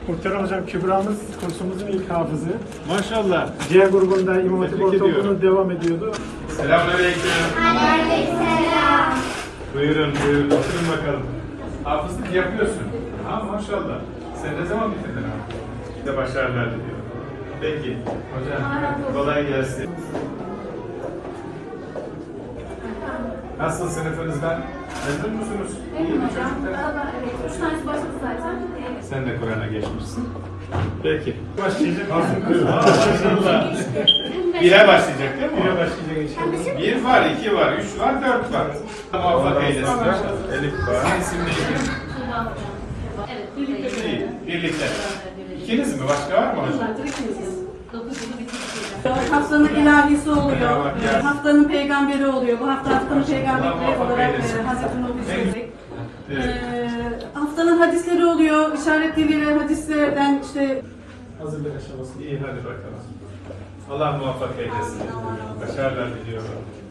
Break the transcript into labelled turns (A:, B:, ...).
A: Muhterem hocam, Kübra'mız kursumuzun ilk hafızı.
B: Maşallah.
A: C grubunda İmam Hatip
B: Tebrik
A: Ortaokulu'nda
B: ediyorum.
A: devam ediyordu.
B: Selamünaleyküm.
C: Aleykümselam.
B: Buyurun, buyurun. Oturun bakalım. Hafızlık yapıyorsun. Ha maşallah. Sen ne zaman bitirdin abi? Size başarılar diliyorum. Peki. Hocam, kolay gelsin. Nasıl sınıfınızdan? Memnun musunuz? İyi mi çocuklar?
C: Evet, 3 tanesi başladı zaten.
B: Sen de Kur'an'a geçmişsin. Peki. Başlayacak mısın? Maşallah. Bire başlayacak değil mi?
A: Bire başlayacak inşallah.
B: 1 var, 2 var, 3 var, 4 var. Muvaffak eylesin inşallah. Elif var. İsim neydi?
C: Evet, birlikte.
B: İyi, birlikte. İkiniz mi? Başka var mı hocam?
C: 9 yılı bitirdik.
D: Haftanın ilahisi oluyor,
B: Ya bak ya.
D: haftanın peygamberi oluyor. Bu hafta haftanın peygamberi
B: muvaffak
D: olarak
B: eylesin.
D: Hazreti Nuh'u söyledik.
B: Evet.
D: Haftanın hadisleri oluyor, işaret diliyle hadislerden işte
A: Hazırlık aşaması.
B: İyi hadi bakalım. Allah muvaffak eylesin. Başarılar diliyorum.